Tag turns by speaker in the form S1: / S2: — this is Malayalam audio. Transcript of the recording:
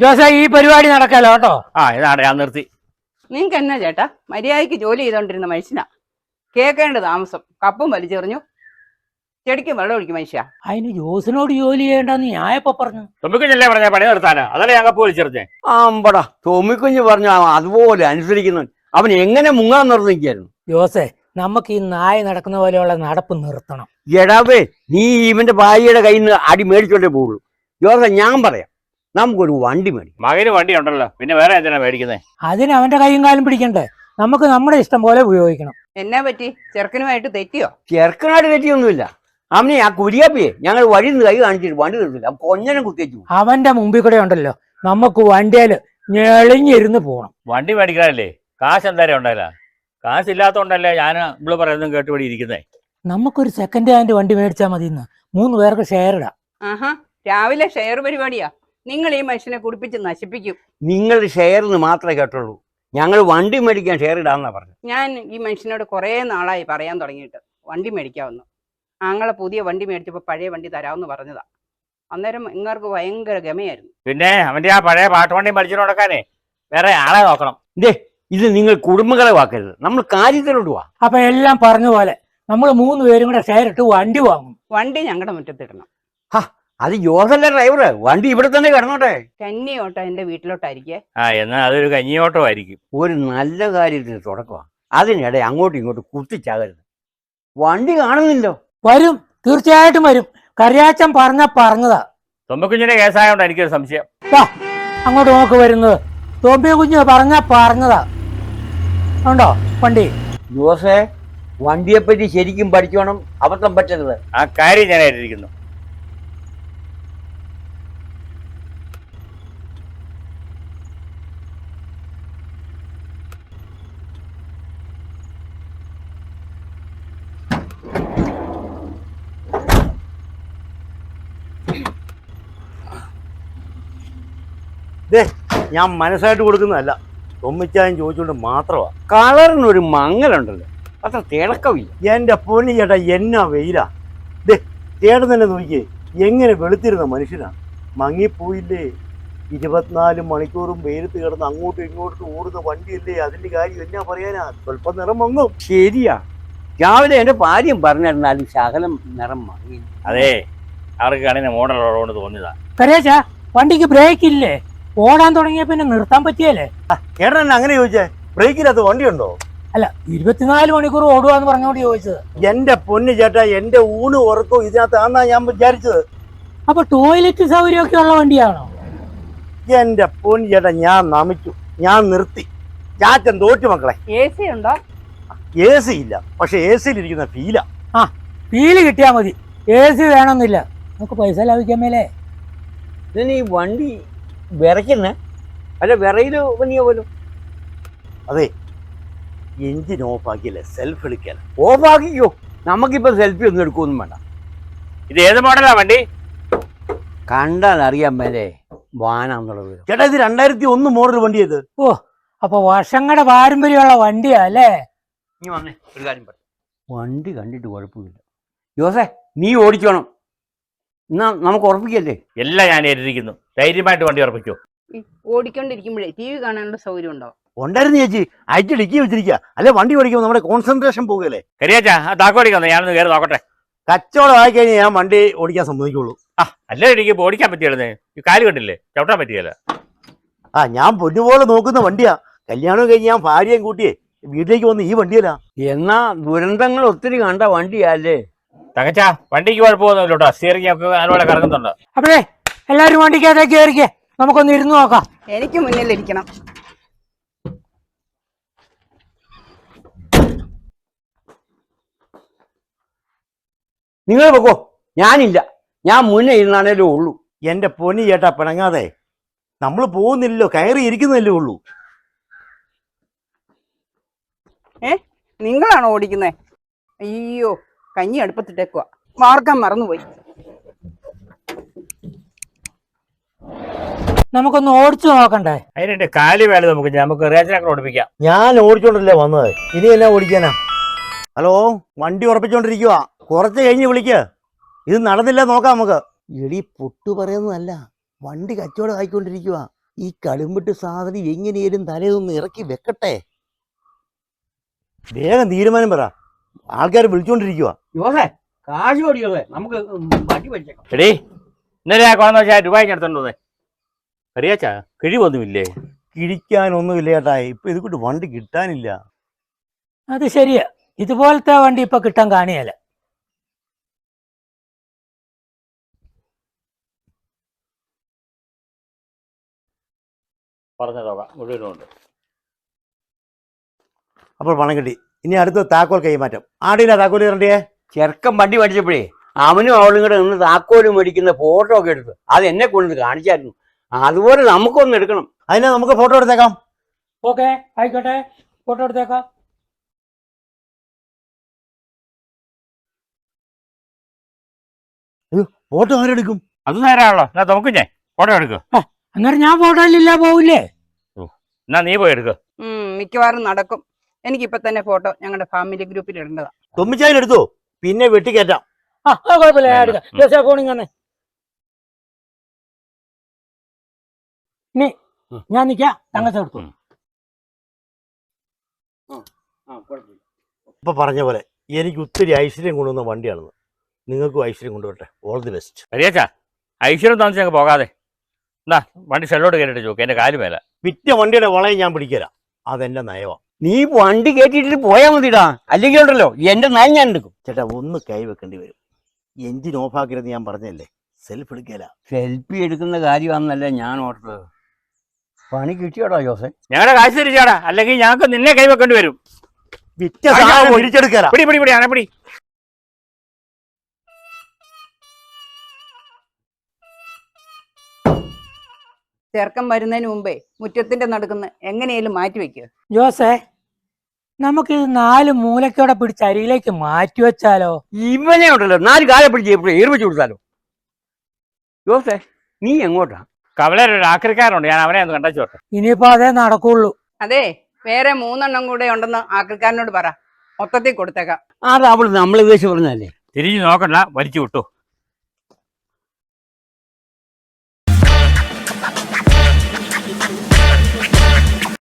S1: ജോസേ ഈ പരിപാടി നടക്കാലോ കേട്ടോ.
S2: ഇതാണ് ഞാൻ നിർത്തി.
S3: നിങ്ങൾക്ക് എന്നാ ചേട്ടാ, മര്യാദയ്ക്ക് ജോലി ചെയ്തോണ്ടിരുന്ന മനുഷ്യനാ കേൾക്കേണ്ട താമസം. കപ്പും വലിച്ചെറിഞ്ഞു, ചെടിക്കും വെള്ളം ഒഴിക്കും മനുഷ്യ.
S1: അതിന് ജോസിനോട് ജോലി ചെയ്യേണ്ടെന്ന് ഞാനിപ്പോ പറഞ്ഞു.
S2: തൊമ്മിക്കുഞ്ഞല്ലേ പറഞ്ഞ പണി നിർത്താനാ? അതല്ലേ ഞാൻ കപ്പ് വലിച്ചെറിഞ്ഞേ.
S4: ആമ്പടാ തൊമ്മിക്കുഞ്ഞ് പറഞ്ഞു അതുപോലെ അനുസരിക്കുന്നു. അവൻ എങ്ങനെ മുങ്ങാൻ നിർത്തിക്കായിരുന്നു.
S1: ജോസേ, നമുക്ക് ഈ നായ നടക്കുന്ന പോലെയുള്ള നടപ്പ് നിർത്തണം.
S4: എടാവേ, നീ ഇവന്റെ ഭാര്യയുടെ കയ്യിൽ നിന്ന് അടി മേടിച്ചോണ്ടേ പോകുള്ളൂ. ജോസ, ഞാൻ പറയാം, നമുക്കൊരു വണ്ടി മേടിക്കും.
S2: മകന് വണ്ടി ഉണ്ടല്ലോ, പിന്നെ വേറെ എന്തിനാ മേടിക്കുന്നേ?
S1: അതിന് അവന്റെ കൈയും കാലും പിടിക്കണ്ടേ? നമുക്ക് നമ്മുടെ ഇഷ്ടം പോലെ ഉപയോഗിക്കണം.
S3: എന്നാ പറ്റി, ചെറുക്കനുമായിട്ട് തെറ്റിയോ?
S4: ചെറുക്കനായിട്ട് തെറ്റിയൊന്നുമില്ല. അവനെ ആ കുരിയാപ്പിയെ ഞങ്ങൾ വഴി നിന്ന് കൈ കാണിച്ചിട്ട് വണ്ടി നിർത്തില്ല. കൊഞ്ഞനെ കുത്തിച്ചു.
S1: അവന്റെ മുമ്പിൽ കൂടെ ഉണ്ടല്ലോ, നമുക്ക് വണ്ടിയില് ഞെളിഞ്ഞിരുന്ന് പോണം.
S2: വണ്ടി മേടിക്കാനല്ലേ കാശ് എന്തായാലും ഉണ്ടായില്ല. കാശില്ലാത്തോണ്ടല്ലേ ഞാൻ ഇവിടെ പറയുന്നതും കേട്ടുപടി ഇരിക്കുന്നേ.
S1: നമുക്കൊരു സെക്കൻഡ് ഹാൻഡ് വണ്ടി മേടിച്ചാൽ മതി. 3 പേർക്ക് ഷെയർ ഇടാം.
S3: ആഹാ, രാവിലെ ഷെയർ പരിപാടിയാ. നിങ്ങൾ ഈ മനുഷ്യനെ കുടിപ്പിച്ച് നശിപ്പിക്കും.
S4: നിങ്ങൾ ഷെയറിന് മാത്രമേ കേട്ടുള്ളൂ. ഞങ്ങൾ വണ്ടി മേടിക്കാൻ ഷെയർ ഇടാന്നാ പറഞ്ഞു.
S3: ഞാൻ ഈ മനുഷ്യനോട് കുറേ നാളായി പറയാൻ തുടങ്ങിയിട്ട് വണ്ടി മേടിക്കാമെന്ന്. ആങ്ങളെ പുതിയ വണ്ടി മേടിച്ചപ്പോൾ പഴയ വണ്ടി തരാമെന്ന് പറഞ്ഞതാ. അന്നേരം ഇങ്ങർക്ക് ഭയങ്കര ഗമയായിരുന്നു.
S2: പിന്നെ അവന്റെ ആ പഴയ പാട്ടുവണ്ടി മേടിച്ചു കൊടുക്കാനേ വേറെ ആളെ നോക്കണം.
S4: ഇത് നിങ്ങൾ കുടുംബങ്ങളെ വാക്കരുത്, നമ്മൾ കാര്യത്തിലോട്ട് പോവാ.
S1: അപ്പൊ എല്ലാം പറഞ്ഞ പോലെ നമ്മൾ 3 പേരും കൂടെ ഷെയർ ഇട്ട് വണ്ടി വാങ്ങും.
S3: വണ്ടി ഞങ്ങളുടെ മുറ്റത്തിടണം.
S4: അത് ജോസല്ല ഡ്രൈവർ, വണ്ടി ഇവിടെ തന്നെ കിടന്നോട്ടെ.
S3: കന്നിയോട്ടോ എന്റെ വീട്ടിലോട്ടായിരിക്കേ.
S2: എന്നാ അതൊരു കഞ്ഞിയോട്ടോ ആയിരിക്കും.
S4: ഒരു നല്ല കാര്യത്തിന് തുടക്കമാണ്. അതിനിടെ അങ്ങോട്ടും ഇങ്ങോട്ടും കുത്തിച്ചാകരുത്. വണ്ടി കാണുന്നില്ലോ.
S1: വരും, തീർച്ചയായിട്ടും വരും. കറിയാച്ചൻ പറഞ്ഞതാ.
S2: തൊമ്മിക്കുഞ്ഞിന്റെ കേസായോണ്ട് എനിക്കൊരു സംശയം.
S1: അങ്ങോട്ട് നോക്ക് വരുന്നത്. തോമ്പിയ കുഞ്ഞ് പറഞ്ഞതാ. ഉണ്ടോ വണ്ടി?
S4: ജോസേ, വണ്ടിയെപ്പറ്റി ശരിക്കും പഠിച്ചോണം, അബദ്ധം പറ്റരുത്.
S2: ആ കാര്യം ഞാൻ ഏറ്റിരിക്കുന്നു.
S5: ഞാൻ മനസ്സായിട്ട് കൊടുക്കുന്നതല്ല, തൊമ്മിച്ചായും ചോദിച്ചുകൊണ്ട് മാത്രമാണ്.
S4: കളറിനൊരു മങ്ങലുണ്ടല്ലോ, അത്ര തിളക്കമില്ല.
S5: എൻ്റെ പൊന്നി ചേട്ടാ, എന്നാ വെയിലാ. ചേട്ടൻ തന്നെ നോക്കിയേ, എങ്ങനെ വെളുത്തിരുന്ന മനുഷ്യനാണ്. മങ്ങിപ്പോയില്ലേ. 24 മണിക്കൂറും വെയിലത്ത് കിടന്ന് അങ്ങോട്ടും ഇങ്ങോട്ടും ഓടുന്ന വണ്ടിയല്ലേ. അതിൻ്റെ കാര്യം എന്നാ പറയാനാ, സ്വല്പം നിറം മങ്ങും.
S4: ശരിയാ, രാവിലെ എൻ്റെ ഭാര്യം പറഞ്ഞിരുന്നാലും ശകലം നിറം മങ്ങി.
S2: അതെ, അവർക്ക് കണ്ണിന് മോഡലുള്ളതുകൊണ്ട് തോന്നിയതാ.
S1: കറിയാച്ചാ, വണ്ടിക്ക് ബ്രേക്ക് ഇല്ലേ? ഓടാൻ തുടങ്ങിയ പിന്നെ നിർത്താൻ പറ്റിയല്ലേ?
S5: ചേട്ടൻ അങ്ങനെ ചോദിച്ചേ, ബ്രേക്കിനകത്ത് വണ്ടിയുണ്ടോ?
S1: അല്ല, 24 മണിക്കൂർ ഓടുവാന്ന് പറഞ്ഞോണ്ട് ചോദിച്ചത്.
S5: എൻ്റെ പൊന്നി ചേട്ടാ, എൻ്റെ ഊണ് ഉറക്കവും ഇതിനകത്താന്നാ ഞാൻ വിചാരിച്ചത്.
S1: അപ്പൊ ടോയ്ലറ്റ് സൗകര്യമൊക്കെ ഉള്ള വണ്ടിയാണോ?
S5: എൻ്റെ പൊന്നി ചേട്ടാ, ഞാൻ നമിച്ചു, ഞാൻ നിർത്തി. ചാച്ചൻ തോറ്റു മക്കളെ.
S3: AC ഉണ്ടോ?
S5: AC ഇല്ല, പക്ഷെ AC യിലിരിക്കുന്ന ഫീലാ.
S1: ഫീല് കിട്ടിയാ മതി, AC വേണമെന്നില്ല. നമുക്ക് പൈസ ലാഭിക്കാൻ മേലേ.
S4: ഇതിന് ഈ വണ്ടി വിറയ്ക്കുന്നേ, അല്ല വിറയില് പനിയ പോലും.
S5: അതെ, എഞ്ചിൻ ഓഫ് ആക്കിയല്ലേ സെൽഫ് എടുക്കാൻ.
S4: ഓഫാക്കിക്കോ, നമുക്കിപ്പോ സെൽഫി ഒന്നും എടുക്കൊന്നും വേണ്ട.
S2: ഇത് ഏത് മോഡലാ വണ്ടി?
S4: കണ്ടാൽ അറിയാൻ മേലെ വാനാന്നുള്ളത്.
S5: ചേട്ടാ, ഇത് 2001 മോഡൽ വണ്ടി. ഇത്
S1: അപ്പൊ വർഷങ്ങളുടെ പാരമ്പര്യമുള്ള വണ്ടിയാ അല്ലേ?
S4: നീ വന്നേ, ഒരു കാര്യം പറ. വണ്ടി കണ്ടിട്ട് കുഴപ്പമില്ല. ജോസേ, നീ ഓടിച്ചോണം. എന്നാ നമുക്ക് ഉറപ്പിക്കല്ലേ?
S2: എല്ലാം ഞാൻ ഏറ്റിരിക്കുന്നു. ധൈര്യമായിട്ട് വണ്ടി ഉറപ്പിച്ചു.
S3: ഓടിക്കൊണ്ടിരിക്കുമ്പോഴേ TV കാണാനുള്ള സൗകര്യം ഉണ്ടോ?
S5: ഉണ്ടായിരുന്നു ചേച്ചി, അയച്ച് ഡിക്കി വെച്ചിരിക്കുക. അല്ലെ വണ്ടി ഓടിക്കുമ്പോൾ നമ്മുടെ കോൺസെൻട്രേഷൻ പോകുകയല്ലേ.
S2: കരിയാച്ചാ, ആ താക്കോടിക്കുന്നു, ഞാനൊന്ന് കയറി നോക്കട്ടെ.
S5: കച്ചവടം ആയി കഴിഞ്ഞാൽ ഞാൻ വണ്ടി ഓടിക്കാൻ സമ്മതിക്കുള്ളൂ.
S2: അല്ലേ എനിക്ക് ഓടിക്കാൻ പറ്റിയായിരുന്നേ. ഈ കാല് കണ്ടില്ലേ, ചവിട്ടാൻ പറ്റിയല്ല.
S5: ഞാൻ പൊന്നുപോലെ നോക്കുന്ന വണ്ടിയാ. കല്യാണം കഴിഞ്ഞ് ഞാൻ ഭാര്യയും കൂട്ടിയേ വീട്ടിലേക്ക് വന്ന് ഈ വണ്ടിയല്ല.
S4: എന്നാ ദുരന്തങ്ങൾ ഒത്തിരി കണ്ട വണ്ടിയല്ലേ?
S2: തകച്ചാ, വണ്ടിക്ക് കുഴപ്പമൊന്നുമില്ലോട്ടോ. സ്റ്റിയറിംഗ് ഒക്കെ അതുപോലെ കറങ്ങുന്നുണ്ട്.
S1: അപ്പോഴേ എല്ലാരും വണ്ടിക്കകത്തേക്ക് കയറിക്കേ, നമുക്കൊന്ന് ഇരുന്ന് നോക്കാം.
S3: എനിക്ക് മുന്നിലിരിക്കണം.
S4: നിങ്ങൾ വെക്കോ, ഞാനില്ല. ഞാൻ മുന്നേ ഇരുന്നാണേലേ ഉള്ളൂ.
S5: എൻ്റെ പൊന്നി ചേട്ടാ, പിണങ്ങാതെ. നമ്മൾ പോകുന്നില്ലല്ലോ, കയറി ഇരിക്കുന്നതല്ലേ ഉള്ളൂ.
S3: നിങ്ങളാണോ ഓടിക്കുന്നേ? അയ്യോ, കഞ്ഞി അടുപ്പത്തിട്ടേക്കുക, മാർക്കാൻ മറന്നുപോയി.
S1: നമുക്കൊന്ന് ഓടിച്ചു നോക്കണ്ടേ?
S2: അതിന്റെ കാല് വേല നമുക്ക് റേച്ചനൊക്കെ ഓടിപ്പിക്കാം.
S5: ഞാൻ ഓടിച്ചോണ്ടല്ലേ വന്നത്, ഇനി എന്നാ ഓടിക്കാനാ? ഹലോ, വണ്ടി ഉറപ്പിച്ചോണ്ടിരിക്കുക, കുറച്ച് കഴിഞ്ഞ് വിളിക്കുക. ഇത് നടന്നില്ല നോക്കാം നമുക്ക്. എടി പൊട്ടു പറയുന്നതല്ല, വണ്ടി കച്ചവടം ആയിക്കൊണ്ടിരിക്കുക. ഈ കളിമ്പിട്ട് സാധനം എങ്ങനെയും തലേതൊന്ന് ഇറക്കി വെക്കട്ടെ. വേഗം തീരുമാനം പറ, ആൾക്കാർ വിളിച്ചോണ്ടിരിക്കുക.
S4: യോസേ കാശ് ഓടിയോസേ, നമുക്ക് വണ്ടി പഠിച്ചേക്കാം.
S2: എടീ ഇന്നലെ ആ കൊണ്ടെന്ന് വെച്ചാൽ രൂപ എടുത്തോണ്ടേ അറിയാച്ചാ കിഴിവൊന്നുമില്ലേ?
S5: കിഴിക്കാനൊന്നുമില്ല ചേട്ടാ, ഇപ്പൊ ഇത് കൊണ്ട് വണ്ടി കിട്ടാനില്ല.
S1: അത് ശരിയാ, ഇതുപോലത്തെ വണ്ടി ഇപ്പൊ കിട്ടാൻ കാണിയല്ല.
S2: പറഞ്ഞ തുക മുഴുവനുണ്ട്.
S5: അപ്പോൾ പണം കിട്ടി. ഇനി അടുത്ത താക്കോൽ കൈമാറ്റം. ആടിയില്ല താക്കോൽ കയറണ്ടേ?
S4: ചെറുക്കൻ വണ്ടി പഠിച്ചപ്പോഴേ അവനും അവളും കൂടെ നിന്ന് താക്കോല് മേടിക്കുന്ന ഫോട്ടോ ഒക്കെ എടുത്ത് അത് എന്നെ കൊണ്ട് കാണിച്ചായിരുന്നു. അതുപോലെ നമുക്കൊന്ന് എടുക്കണം.
S5: അതിനാ നമുക്ക് ഫോട്ടോ എടുത്തേക്കാം.
S1: ഓക്കെ ആയിക്കോട്ടെ, ഫോട്ടോ എടുത്തേക്കാം.
S5: ഫോട്ടോ ആരെടുക്കും?
S2: അത് നേരാണല്ലോ. എന്നാ നമുക്ക് ഞാൻ ഫോട്ടോ എടുക്കുക.
S1: അന്നേരം ഞാൻ ഫോട്ടോയിലില്ല പോവില്ലേ?
S2: എന്നാ നീ പോയി എടുക്കുക.
S3: മിക്കവാറും നടക്കും. എനിക്കിപ്പോ തന്നെ ഫോട്ടോ ഞങ്ങളുടെ ഫാമിലി ഗ്രൂപ്പിൽ ഇടേണ്ടതാ.
S5: തൊമ്മിച്ചായാലെടുത്തോ, പിന്നെ വെട്ടിക്കയറ്റാം.
S1: കുഴപ്പമില്ല, ഞാൻ എടുക്കാം. ജോസേ ഫോണിങ് തന്നെ. ഇനി ഞാൻ നിൽക്കാം, തങ്ങച്ച എടുത്തു.
S5: ഇപ്പൊ പറഞ്ഞ പോലെ എനിക്ക് ഒത്തിരി ഐശ്വര്യം കൊണ്ടുവന്ന വണ്ടിയാണെന്ന്. നിങ്ങൾക്കും ഐശ്വര്യം കൊണ്ടുവരട്ടെ. All the best.
S2: അറിയാച്ചാ ഐശ്വര്യം താമസിച്ച് ഞങ്ങൾക്ക് പോകാതെ എന്നാ വണ്ടി ഷെല്ലോട്ട് കയറിയിട്ട് ചോക്ക്, എന്റെ കാല് മേല.
S5: വിറ്റ വണ്ടിയുടെ വളയം ഞാൻ പിടിക്കരാം, അതെന്റെ നയവാ.
S4: നീ വണ്ടി കയറ്റിട്ട് പോയാൽ മതിടാ, അല്ലെങ്കിൽ ഉണ്ടല്ലോ എന്റെ നയം ഞാൻ എടുക്കും.
S5: ചേട്ടാ ഒന്ന് കൈ വെക്കേണ്ടി വരും. എഞ്ചിൻ ഓഫാക്കരുത് ഞാൻ പറഞ്ഞല്ലേ, സെൽഫ് എടുക്കല.
S4: സെൽഫി എടുക്കുന്ന കാര്യമാണെന്നല്ലേ ഞാൻ ഓർത്തത്. പണി കിട്ടിയോടാ ജോസേ?
S2: ഞങ്ങളുടെ കാശ് തിരിച്ചാടാ, അല്ലെങ്കിൽ ഞങ്ങൾക്ക് നിന്നെ കൈവെക്കേണ്ടി വരും.
S5: വിറ്റ സാധനം തിരിച്ചെടുക്കല.
S2: പിടി പിടി പിടി ആനപ്പിടി.
S3: ചെറുക്കം വരുന്നതിന് മുമ്പേ മുറ്റത്തിന്റെ നടുക്കുന്ന് എങ്ങനെയാലും മാറ്റി വെക്കുക.
S1: ജോസേ, നമുക്ക് ഇത് 4 മൂലക്കോടെ പിടിച്ച് അരിയിലേക്ക് മാറ്റി വെച്ചാലോ?
S4: ഇവനെ ഉണ്ടല്ലോ 4 കാലെ പിടിച്ച് എപ്പോഴും ഏർപ്പിച്ചു കൊടുത്താലോ? ജോസേ നീ എങ്ങോട്ടാ?
S2: കവലൊരു ആക്രിക്കാരുണ്ട്, ഞാൻ അവനെ ഒന്ന് കണ്ടോട്ടെ.
S1: ഇനിയിപ്പോ അതേ നടക്കുള്ളൂ.
S3: അതെ, വേറെ 3 എണ്ണം കൂടെ ഉണ്ടെന്ന് ആക്രിക്കാരനോട് പറ, മൊത്തത്തിൽ കൊടുത്തേക്കാം.
S4: അത് അവള് നമ്മളെ ഉദ്ദേശിച്ച് പറഞ്ഞല്ലേ.
S2: തിരിഞ്ഞു നോക്കണ്ട, വലിച്ചു വിട്ടു.